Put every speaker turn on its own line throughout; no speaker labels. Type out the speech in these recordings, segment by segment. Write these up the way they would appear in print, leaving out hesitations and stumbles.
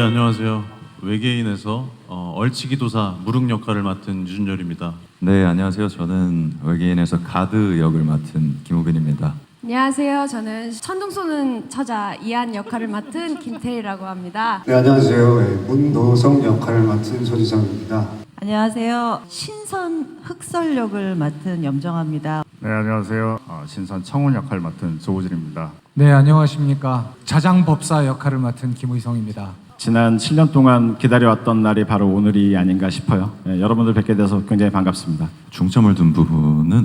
안녕하세요. 외계인에서 얼치기도사 무릉 역할을 맡은 유준열입니다.
네, 안녕하세요. 저는 외계인에서 가드 역을 맡은 김우빈입니다.
안녕하세요. 저는 천둥 쏘는 처자 이한 역할을 맡은 김태희라고 합니다.
네, 안녕하세요. 문노성 역할을 맡은 소지성입니다.
안녕하세요. 신선 흑설 역을 맡은 염정아입니다.
네, 안녕하세요. 신선 청운 역할 맡은 조우진입니다.
네, 안녕하십니까. 자장법사 역할을 맡은 김의성입니다.
지난 7년 동안 기다려왔던 날이 바로 오늘이 아닌가 싶어요. 네, 여러분들 뵙게 돼서 굉장히 반갑습니다.
중점을 둔 부분은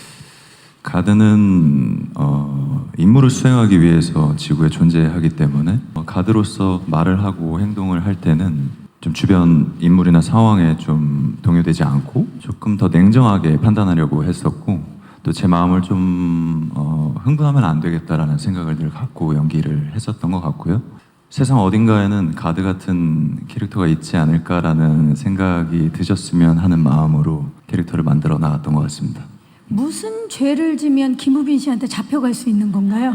가드는 임무를 수행하기 위해서 지구에 존재하기 때문에 가드로서 말을 하고 행동을 할 때는 좀 주변 인물이나 상황에 좀 동요되지 않고 조금 더 냉정하게 판단하려고 했었고, 또 제 마음을 좀 흥분하면 안 되겠다라는 생각을 늘 갖고 연기를 했었던 것 같고요. 세상 어딘가에는 가드 같은 캐릭터가 있지 않을까라는 생각이 드셨으면 하는 마음으로 캐릭터를 만들어 나갔던 것 같습니다.
무슨 죄를 지면 김우빈 씨한테 잡혀갈 수 있는 건가요?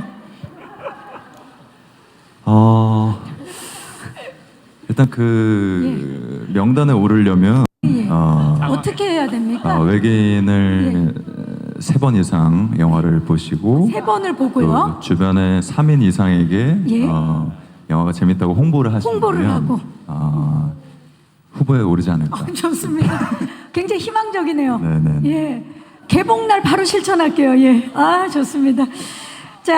일단 명단에 오르려면
어떻게 해야 됩니까?
외계인을 3번 이상 영화를 보시고
3번을 보고요.
주변에 3인 이상에게 영화가 재밌다고 홍보를 하시면
하고
후보에 오르지 않을까.
좋습니다. 굉장히 희망적이네요.
네네.
예, 개봉날 바로 실천할게요. 예, 좋습니다. 자,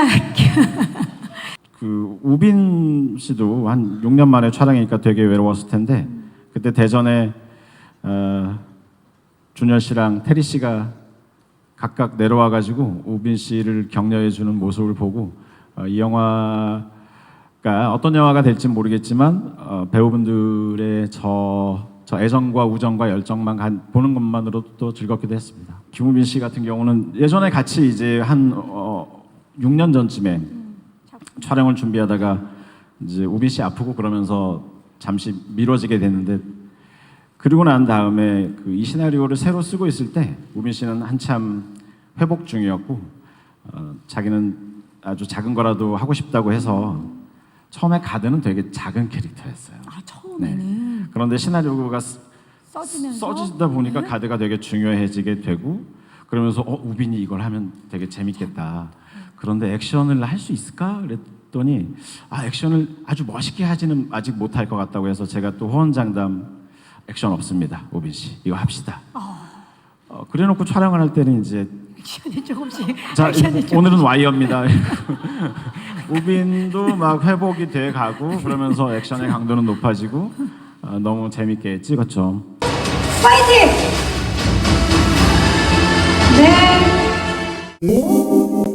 우빈 씨도 한 6년 만에 촬영이니까 되게 외로웠을 텐데, 그때 대전에 준열 씨랑 테리 씨가 각각 내려와가지고 우빈 씨를 격려해주는 모습을 보고 이 영화가 어떤 영화가 될지 모르겠지만 배우분들의 저 애정과 우정과 열정만 보는 것만으로도 즐겁기도 했습니다. 김우빈 씨 같은 경우는 예전에 같이 이제 한 6년 전쯤에 촬영을 준비하다가 이제 우빈 씨 아프고 그러면서 잠시 미뤄지게 됐는데, 그리고 난 다음에 이 시나리오를 새로 쓰고 있을 때 우빈 씨는 한참 회복 중이었고 자기는 아주 작은 거라도 하고 싶다고 해서 처음에 가드는 되게 작은 캐릭터였어요.
처음에는.
네. 그런데 시나리오가
써지면서
써지다 보니까 가드가 되게 중요해지게 되고, 그러면서 우빈이 이걸 하면 되게 재밌겠다. 그런데 액션을 할 수 있을까? 그랬더니 액션을 아주 멋있게 하지는 아직 못할 것 같다고 해서 제가 또 호언장담, 액션 없습니다, 우빈 씨. 이거 합시다. 그래놓고 촬영을 할 때는 이제
액션이 조금씩.
자, 오늘은 와이어입니다. 우빈도 막 회복이 돼 가고 그러면서 액션의 강도는 높아지고 너무 재밌게 찍었죠.
파이팅! 네.